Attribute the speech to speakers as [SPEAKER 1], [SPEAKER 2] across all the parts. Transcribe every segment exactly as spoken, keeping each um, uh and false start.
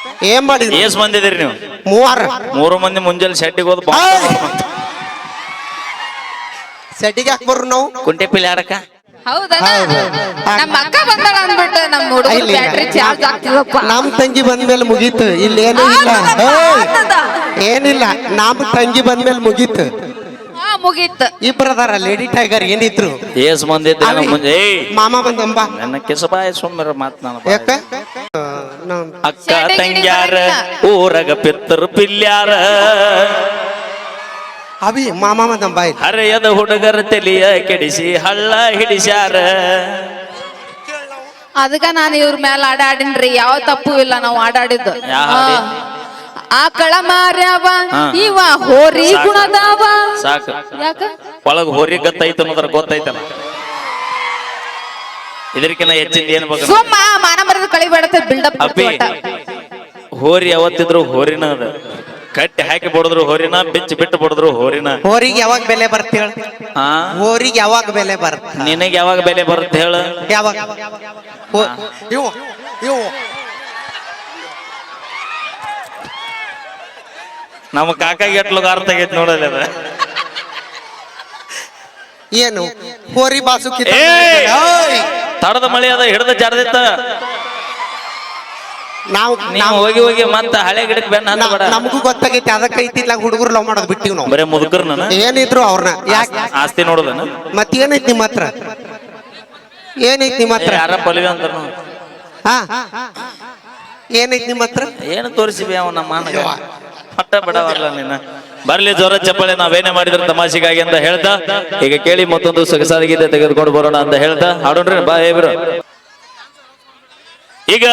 [SPEAKER 1] ಏನ್ ಮಾಡಿದ್ರಿ?
[SPEAKER 2] ಏಸ್ ಬಂದಿದ್ದೀರಿ ನೀವು?
[SPEAKER 1] ಮೂವಾರ.
[SPEAKER 2] ಮೂರು ಮಂದಿ ಮುಂಜಾನೆ ಶೆಟ್ಟಿಗೆ ಹೋದ್
[SPEAKER 1] ಸೆಟ್ಟಿಗೆ ಹಾಕ್ಬರ್ರು ನಾವು
[SPEAKER 2] ಕುಂಟೆ ಪಿಲ್ ಆಡಕ.
[SPEAKER 3] ಹೌದಾ? ನಮ್ಮ ಅಕ್ಕ ಬಂದಾಳ ಅಂದ್ಬಿಟ್ಟು ನಮ್ಮ ಹುಡುಗರು ಬ್ಯಾಟ್ರಿ ಚಾರ್ಜ್ ಆಗ್ತಿದಪ್ಪ.
[SPEAKER 1] ನಮ್ ತಂಗಿ ಬಂದ್ಮೇಲೆ ಮುಗೀತು. ಇಲ್ಲಿ ಏನೂ ಇಲ್ಲ, ಏನಿಲ್ಲ. ನಮ್ ತಂಗಿ ಬಂದ್ಮೇಲೆ ಮುಗೀತು.
[SPEAKER 3] ಹಾ ಮುಗೀತು.
[SPEAKER 1] ಇಬ್ಬರದಾರ ಲೇಡಿ ಟೈಗರ್ ಏನಿದ್ರು.
[SPEAKER 2] ಏಸ್ ಬಂದಿದ್ದೆ ಮುಂಜೆ
[SPEAKER 1] ಮಾಮ ಬಂದಂಬ
[SPEAKER 2] ನನ್ನ ಕೆಸಬಾಯ ಸುಮ್ಮರ ಮಾತ್ ನಾನು
[SPEAKER 1] ಯಾಕ
[SPEAKER 2] ಅಕ್ಕ ತಂಗ್ಯಾರ ಊರಗ ಪಿತ್ತರು ಪಿಲ್ಯಾರ
[SPEAKER 1] ಅವಿ ಮಾಮ ಬಂದಂಬ
[SPEAKER 2] ಹರೆಯದ ಹುಡುಗರ ತಲಿಯ ಕೆಡಿಸಿ ಹಳ್ಳ ಹಿಡಿಸ್ಯಾರ.
[SPEAKER 3] ಅದಕ್ಕ ನಾನು ಇವ್ರ ಮೇಲೆ ಆಡಾಡಿನ್ರಿ. ಯಾವ ತಪ್ಪು ಇಲ್ಲ ನಾವು ಆಡಾಡಿದ್ದು. ಆಕಳ ಮಾರ್ಯಾವ ಇವ ಹೋರಿ ಗುಣದಾವ.
[SPEAKER 2] ಸಾಕು.
[SPEAKER 3] ಯಾಕ
[SPEAKER 2] ಒಳಗ ಹೋರಿ ಗತ್ತೈತ ಅನ್ನೋದ್ರ ಗೊತ್ತೈತಲ್ಲ. ಇದಕ್ಕಿನ್ನ ಹೆಚ್ಚಿಂದ ಏನ್ ಬೇಕು?
[SPEAKER 3] ಸುಮ್ಮ ಮಾನ ಮರದ ಕಳಿಬೇಡತ್ತೆ ಬಿಲ್ಡಪ್.
[SPEAKER 2] ಹೋರಿ ಯಾವತ್ತಿದ್ರು ಹೋರಿನ ಅದ. ಕಟ್ಟಿ ಹಾಕಿ ಬಡದ್ರು ಹೋರಿನ, ಬಿಚ್ಚಿ ಬಿಟ್ಟು ಬಡದ್ರು ಹೋರಿನ.
[SPEAKER 1] ಹೋರಿಗೆ ಯಾವಾಗ ಬೆಲೆ ಬರ್ತಿ ಹೇಳ?
[SPEAKER 2] ಹಾ
[SPEAKER 1] ಹೋರಿಗೆ ಯಾವಾಗ ಬೆಲೆ ಬರುತ್ತೆ?
[SPEAKER 2] ನಿನಗೆ ಯಾವಾಗ ಬೆಲೆ ಬರುತ್ತೆ ಹೇಳ?
[SPEAKER 1] ಯಾವಾಗ? ಇವು ಇವು
[SPEAKER 2] ನಮ್ಮ ಕಾಕಾಗಿ ಎಟ್ಲಗ ಅರ್ಥ ಆಗೈತಿ ನೋಡಲ್ಲ ಅದ.
[SPEAKER 1] ಏನು ಹೋರಿ ಬಾಸುಕಿ
[SPEAKER 2] ತಡದ ಮಳೆ ಅದ ಹಿಡ್ದ ಜಾರದಿತ್ತ.
[SPEAKER 1] ನಾವು
[SPEAKER 2] ನಾವು ಹೋಗಿ ಹೋಗಿ ಮತ್ತ ಹಳೆ ಗಿಡಕ್ಕೆ ಬೆನ್ನ ಹತ್ತಬೇಡ.
[SPEAKER 1] ನಮಗೂ ಗೊತ್ತಾಗೈತಿ. ಅದಕ್ಕೆ ಐತಿಲ್ಲ ಹುಡುಗರು ಲವ್ ಮಾಡೋದು ಬಿಟ್ಟಿವ್ ನಾವು.
[SPEAKER 2] ಬರೇ ಮುದುಕರ್ ನಾನು
[SPEAKER 1] ಏನಿದ್ರು ಅವ್ರನ್ನ ಯಾಕೆ
[SPEAKER 2] ಆಸ್ತಿ ನೋಡೋದನ.
[SPEAKER 1] ಮತ್ ಏನೈತಿ ನಿಮ್ಮ ಹತ್ರ? ಏನೈತಿ ನಿಮ್ಮ ಹತ್ರ?
[SPEAKER 2] ಯಾರ ಪಲ್ವಿ ಅಂತ
[SPEAKER 1] ಹಾ ಏನೈತಿ ನಿಮ್ಮ ಹತ್ರ?
[SPEAKER 2] ಏನು ತೋರಿಸಿವಿ ಅವ ನಮ್ಮ ಮಾನಗ ಪಟ್ಟ ಬಿಡವಲ್ಲ ನೀನ. ಬರ್ಲಿ ಜೋರ ಚಪ್ಪಳೆ ನಾವೇನೇ ಮಾಡಿದ್ರ ತಮಾಷೆಗಾಗಿ ಅಂತ ಹೇಳ್ತಾ ಈಗ ಕೇಳಿ ಮತ್ತೊಂದು ಸೊಗಸಾದ ಗೀತೆ ತೆಗೆದುಕೊಂಡು ಬರೋಣ ಅಂತ ಹೇಳ್ತಾ ಹಾಡೋಣ್ರಿ ಬಾ ಹೇಬ್ರು. ಈಗ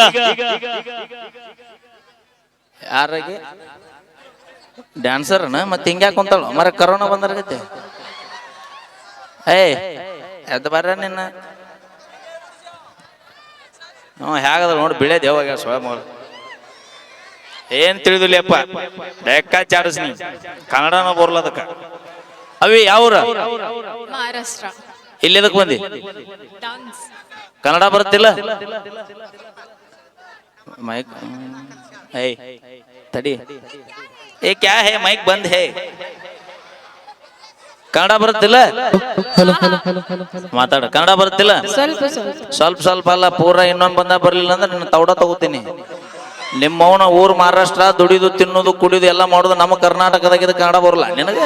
[SPEAKER 2] ಯಾರಿಗೆ ಡ್ಯಾನ್ಸರ್ನ ಮತ್ತೆ ಹಿಂಗ್ಯಾಕ ಕುಂತಾಳ ಮರ ಕರೋನಾ ಬಂದಾರಗತ್ತೆ. ಏಯ್ ಎದ್ದು ಬರ್ರ ನಿನ್ನ. ಹ್ಞೂ ಹೇಗದ ನೋಡಿ ಬಿಳೇದ್ ಯಾವಾಗ ಸ್ವಯಂ ಏನ್ ತಿಳಿದಿಲ್ಲಪ್ಪ. ಲೆಕ್ಕ ಚಾಡಿಸ್ನಿ ಕನ್ನಡನ ಬರ್ಲದಕ್ಕ. ಅವಿ ಯಾವ್ರ?
[SPEAKER 3] ಮಹಾರಾಷ್ಟ್ರ.
[SPEAKER 2] ಇಲ್ಲಿ ಎದಕ್ ಬಂದಿ? ಕನ್ನಡ ಬರುತ್ತಿಲ್ಲ? ಮೈಕ್ ಏಯ್ ತಡಿ. ಏ ಕ್ಯಾ ಹೇ ಮೈಕ್ ಬಂದ್ ಹೇ. ಕನ್ನಡ ಬರುತ್ತಿಲ್ಲ? ಮಾತಾಡ. ಕನ್ನಡ ಬರುತ್ತಿಲ್ಲ?
[SPEAKER 3] ಸ್ವಲ್ಪ ಸ್ವಲ್ಪ
[SPEAKER 2] ಸ್ವಲ್ಪ ಸ್ವಲ್ಪ ಅಲ್ಲ ಪೂರ. ಇನ್ನೊಂದು ಬಂದ ಬರ್ಲಿಲ್ಲ ಅಂದ್ರೆ ನಿನ್ನ ತೌಡ ತಗೋತೀನಿ. ನಿಮ್ಮವನ ಊರ್ ಮಹಾರಾಷ್ಟ್ರ ದುಡಿದು ತಿನ್ನೋದು ಕುಡಿದು ಎಲ್ಲ ಮಾಡೋದು. ನಮ್ಮ ಕರ್ನಾಟಕದಾಗ ಇದು ಕನ್ನಡ ಬರಲ್ಲ ನಿನಗೆ?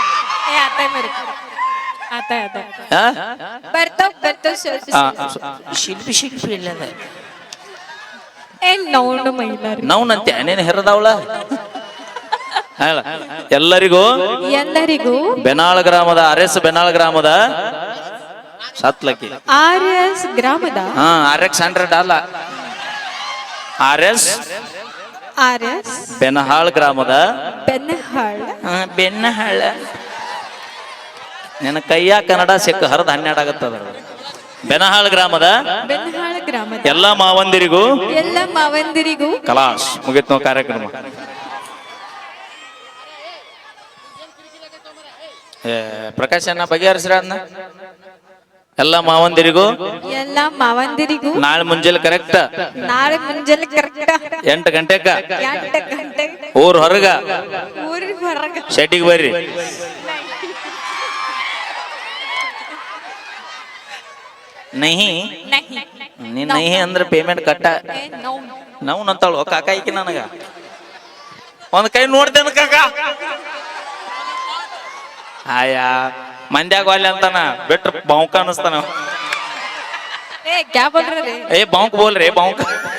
[SPEAKER 2] ಶಿಲ್ಪಿ ಶಿಲ್ಪಿ ಇಲ್ಲ ನೌನಂತೆ ನೀನು ಹೆರದವಳ. ಎಲ್ಲರಿಗೂ
[SPEAKER 3] ಎಲ್ಲರಿಗೂ
[SPEAKER 2] ಬೆನಾಳ ಗ್ರಾಮದ ಆರ್ ಎಸ್ ಬೆನಾಳ ಗ್ರಾಮದ ಸತ್ಲಕ್ಕಿ
[SPEAKER 3] ಆರ್ ಎಸ್ ಗ್ರಾಮದ
[SPEAKER 2] ಹಾ ಆರ್ ಎಕ್ಸ್ ಹಂಡ್ರೆಡ್ ಅಲ್ಲ R S
[SPEAKER 3] R S
[SPEAKER 2] Benahal ಗ್ರಾಮದ
[SPEAKER 3] ಬೆನ್ನಹಾಳ್
[SPEAKER 2] ಬೆನ್ನಹಾಳ. ನಿನ್ನ ಕೈಯ ಕನ್ನಡ ಸಿಕ್ಕ ಹರಿದ ಹನ್ನೆರಡು ಆಗತ್ತದ. ಬೆನಹಾಳ್ ಗ್ರಾಮದ
[SPEAKER 3] ಬೆನ್ನಹಾಳ್ ಗ್ರಾಮದ
[SPEAKER 2] ಎಲ್ಲಾ ಮಾವಂದಿರಿಗೂ
[SPEAKER 3] ಎಲ್ಲ ಮಾವಂದಿರಿಗೂ
[SPEAKER 2] ಕಲಾಶ್ ಮುಗಿತ್ ನಾವು ಕಾರ್ಯಕ್ರಮ. ಪ್ರಕಾಶ್ ಅನ್ನ ಬಗೆಹರಿಸ್ರ ಅದನ್ನ. ಎಲ್ಲ ಮಾವಂದಿರಿಗೂ
[SPEAKER 3] ಎಲ್ಲ ಮಾವಂದಿರಿಗೂ
[SPEAKER 2] ನಾಳೆ ಮುಂಜಾನೆ ಕರೆಕ್ಟ್
[SPEAKER 3] ನಾಳೆ ಮುಂಜಾನೆ ಕರೆಕ್ಟ್
[SPEAKER 2] ಎಂಟು ಗಂಟೆಕ
[SPEAKER 3] ಎಂಟು ಗಂಟೆ
[SPEAKER 2] ಊರ್ ಹೊರಗ
[SPEAKER 3] ಊರಿಗೆ ಹೊರಗ
[SPEAKER 2] ಶೆಟ್ಟಿಗೆ ಬರ್ರಿ. ನಹಿ ನೀ ನಹಿ ಅಂದ್ರೆ ಪೇಮೆಂಟ್ ಕಟ್ಟ. ನಾವು ನಂತಾಳು ಕಾಕ ಈಕಿ ನನಗ ಒಂದ್ ಕೈ ನೋಡ್ತೇನೆ ಕಾಕ. ಆಯಾ ಮಂದ್ಯಾಗ ಅಲ್ಲಿ ಅಂತಾನ ಬಿಟ್ರ ಬಾವುಕ ಅನಸ್ತಾನ. ಏ ಬಾವುಕ್ ಬೋಲ್ರಿ ಬಾವುಕ.